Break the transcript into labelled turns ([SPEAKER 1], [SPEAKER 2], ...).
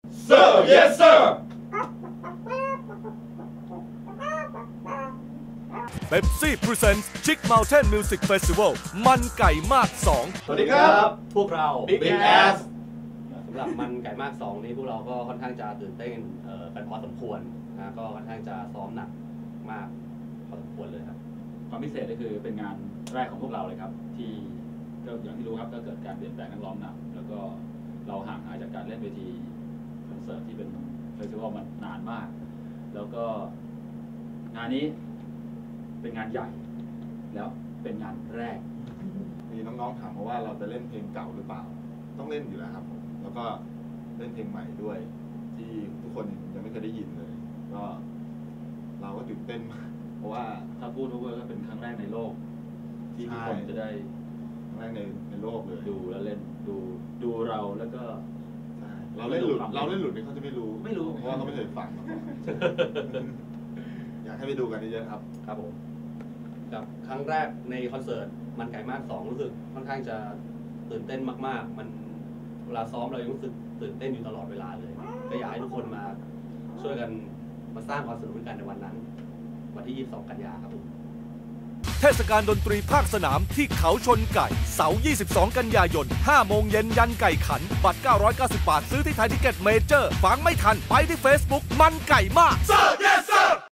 [SPEAKER 1] Sir yes sir
[SPEAKER 2] Pepsi Presents Chick Mountain Music Festival มันไก่มาก 2
[SPEAKER 1] สวัสดีครับ
[SPEAKER 3] พวกเรา
[SPEAKER 1] Big Ass
[SPEAKER 3] สำหรับมันไก่มาก 2 นี้พวกเราก็ค่อนข้างจะตื่นเต้นกันพอสมควรนะก็ค่อนข้างจะซ้อมหนักมากพอสมควรเลยครับ
[SPEAKER 4] ความพิเศษก็คือเป็นงานแรกของพวกเราเลยครับที่ก็อย่างที่รู้ครับก็เกิดการเปลี่ยนแปลงนักร้องนำแล้วก็เราห่างหายจากการเล่นเวทีคอนเสิร์ตที่เป็นเฟสติวัลมานานมากแล้วก็งานนี้เป็นงานใหญ่แล้วเป็นงานแรก
[SPEAKER 1] มีน้องๆถามมาว่าเราจะเล่นเพลงเก่าหรือเปล่าต้องเล่นอยู่แล้วครับผมแล้วก็เล่นเพลงใหม่ด้วยที่ทุกคนยังไม่เคยได้ยินเลยก็เราก็ตื่นเต้นมากเพราะว่า
[SPEAKER 4] ถ้าพูดก็เป็นครั้งแรกในโลกที่ทุกคนจะได้
[SPEAKER 1] ครั้งแรกในโลกเลย
[SPEAKER 4] ดูแล้วเล่นดูเราแล้วก็
[SPEAKER 1] เราเล่นหลุดเนี่ยเขาจะไม่รู้เพราะว่าเขาไม่เคยฟังมาก่อนอยากให้ไปดูกันเยอะๆครับ
[SPEAKER 3] ครับผมกับครั้งแรกในคอนเสิร์ตมันไก่มาก 2รู้สึกค่อนข้างจะตื่นเต้นมากๆมันเวลาซ้อมเรายังรู้สึกตื่นเต้นอยู่ตลอดเวลาเลยก็อยากให้ทุกคนมาช่วยกันมาสร้างความสนุกกันในวันนั้นวันที่ 22 กันยายนครับผม
[SPEAKER 2] เทศกาลดนตรีภาคสนามที่เขาชนไก่เสาร์ 22 กันยายน 5 โมงเย็นยันไก่ขัน บัตร 990 บาท ซื้อที่ไทยทิเก็ตเมเจอร์ ฟังไม่ทันไปที่ Facebook มันไก่มาก Sir yes sir